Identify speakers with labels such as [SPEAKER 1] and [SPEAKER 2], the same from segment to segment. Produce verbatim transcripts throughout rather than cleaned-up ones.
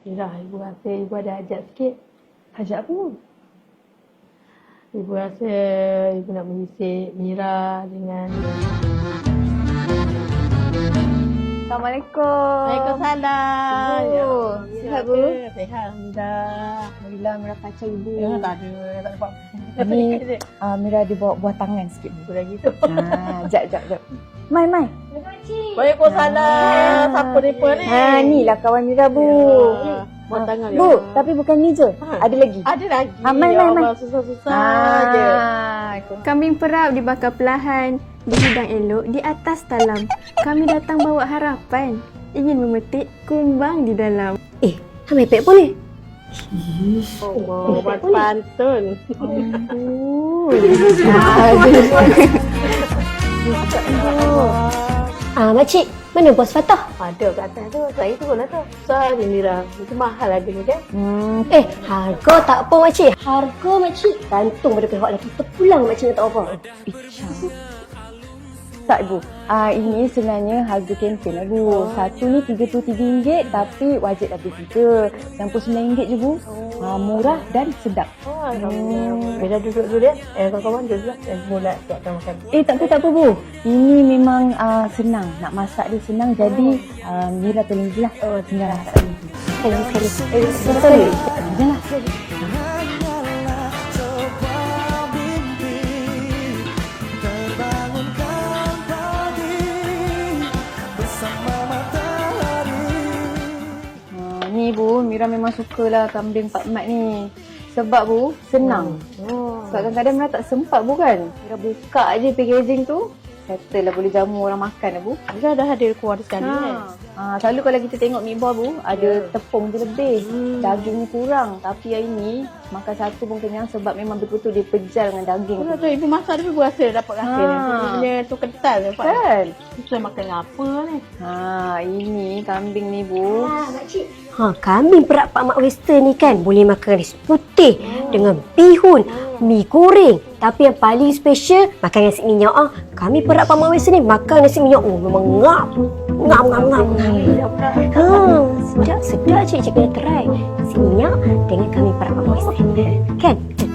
[SPEAKER 1] Mira, ibu rasa ibu ada hajat sikit.
[SPEAKER 2] Hajat apa?
[SPEAKER 1] Ibu rasa ibu nak mengisi Mira dengan...
[SPEAKER 2] Assalamualaikum.
[SPEAKER 1] Waalaikumsalam.
[SPEAKER 2] Ibu, sihat bu?
[SPEAKER 1] Sihat, Alhamdulillah.
[SPEAKER 2] Alhamdulillah, Mira kacau ibu.
[SPEAKER 1] Ya, tak ada, tak ada apa-apa.
[SPEAKER 2] Ni uh, Mira ada bawa buah tangan sikit bu.
[SPEAKER 1] Aku dah gitu.
[SPEAKER 2] Ha, jap, jap, jap. Mai, Mai.
[SPEAKER 1] Waalaikumsalam. Siapa mereka ni?
[SPEAKER 2] Ha, ni lah kawan Mira bu.
[SPEAKER 1] Ya. Buat tangan.
[SPEAKER 2] Bu, tapi bukan ni je.
[SPEAKER 1] Ha.
[SPEAKER 2] Ada lagi.
[SPEAKER 1] Ada lagi.
[SPEAKER 2] Ha, mai,
[SPEAKER 1] Ya
[SPEAKER 2] mai, mai.
[SPEAKER 1] Allah, susah-susah
[SPEAKER 2] Ha,
[SPEAKER 1] je.
[SPEAKER 3] Kambing perap dibakar perlahan, dihidang elok di atas talam. Kami datang bawa harapan, ingin memetik kumbang di dalam.
[SPEAKER 4] Eh, hamil pek boleh?
[SPEAKER 1] Oh, buat pantun.
[SPEAKER 4] Ah, makcik, mana bos Fatah?
[SPEAKER 1] Ada kat atas tu. Saya turun lah tu. Susah je Mira. Itu mahal harganya kan?
[SPEAKER 4] Hmm. Eh, harga tak apa makcik. Harga makcik gantung pada pihak lelaki. Terpulang makcik tak apa.
[SPEAKER 2] Tak ibu. Ah, ini sebenarnya harga kempen lah bu. Satu ni tiga puluh tiga ringgit tapi wajib dah beli tiga. enam puluh sembilan ringgit je bu. Ah, murah dan sedap.
[SPEAKER 1] Oh, Alhamdulillah. Bila duduk dulu dia. Eh, kawan-kawan duduk dulu. Eh, mula siapkan makan.
[SPEAKER 2] Eh tak apa tak apa bu. Ini memang uh, senang. Nak masak dia senang jadi uh, Mira tolong je lah. Oh, tinggal masak ni.
[SPEAKER 4] Sekali, sekali.
[SPEAKER 2] Eh, sekali. Janganlah. Ni bu, Mira memang sukalah kambing Pak Mat ni. Sebab bu, senang.
[SPEAKER 1] Oh.
[SPEAKER 2] Sebab kadang-kadang Mira tak sempat bu kan. Mira buka je packaging tu, settle lah boleh jamu orang makan lah bu.
[SPEAKER 1] Mira dah ada keluar sekali kan?
[SPEAKER 2] Ha, selalu kalau kita tengok mi buah bu, ada
[SPEAKER 1] Ya.
[SPEAKER 2] tepung je lebih.
[SPEAKER 1] Hmm.
[SPEAKER 2] Dagingnya kurang. Tapi yang ini, makan satu pun kenyang sebab memang betul-betul dia pejal dengan daging.
[SPEAKER 1] Betul tu ibu masak dia ibu rasa dapat rasa
[SPEAKER 2] Ha.
[SPEAKER 1] ni. Dia punya tu kental je Pak.
[SPEAKER 2] Kan?
[SPEAKER 1] Kita makan apa ni?
[SPEAKER 2] Ha, ini kambing ni bu.
[SPEAKER 4] Ah, makcik. Ha, kambing perak Pak Mat Western ni kan boleh makan ris putih dengan bihun, mi goreng. Tapi yang paling special makan nasi minyak ah. Kami perak Pak Mat Western ni makan nasi minyak oh memang ngap. Ngap ngap ngap. ngap. Ha, sedap sedap cik cik kena try. Nasi minyak dengan kami perak Pak Mat Western. Kan?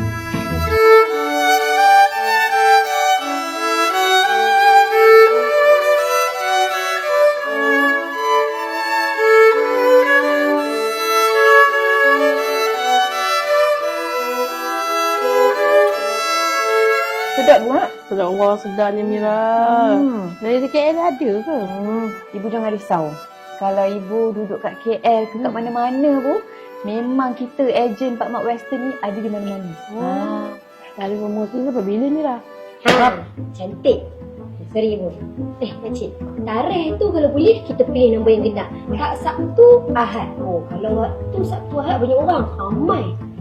[SPEAKER 2] Sedap bu mak.
[SPEAKER 1] Sedap Allah sedarnya Mira.
[SPEAKER 2] Hmm.
[SPEAKER 1] Dari K L ada ke?
[SPEAKER 2] Hmm. Ibu jangan risau. Kalau ibu duduk kat K L ke kat mana-mana bu, memang kita ejen Pak Mat Western ni ada di mana-mana.
[SPEAKER 1] Oh. Dari promosi tu bila Mira?
[SPEAKER 4] Ha, cantik. Seribu. Eh, makcik. Tarikh tu kalau boleh kita pilih nombor yang genap. Tak Sabtu, Ahad. Oh, kalau waktu Sabtu, Ahad banyak orang. Ramai.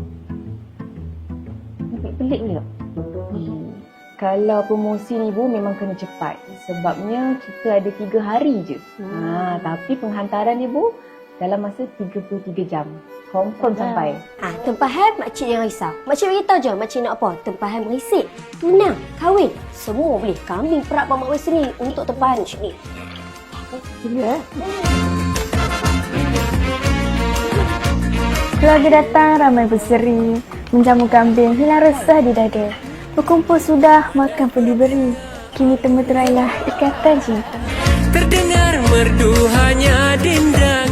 [SPEAKER 2] Nampak pelik ni tak? Kalau promosi ni bu memang kena cepat. Sebabnya kita ada tiga hari je.
[SPEAKER 1] Hmm.
[SPEAKER 2] Ha, tapi penghantaran ni bu dalam masa tiga puluh tiga jam. Confirm sampai.
[SPEAKER 4] Ah, tempahan makcik jangan risau. Makcik beritahu je makcik nak apa. Tempahan merisik, tunang, kahwin. Semua boleh. Kambing perak Pak Mat Western ni untuk tempahan macam ni.
[SPEAKER 1] Ya.
[SPEAKER 3] Keluarga datang ramai berseri, menjamu kambing hilang resah di dada. Berkumpul sudah, makan pun diberi. Kini temu terailah ikatan cinta.
[SPEAKER 5] Terdengar merdu hanya dinda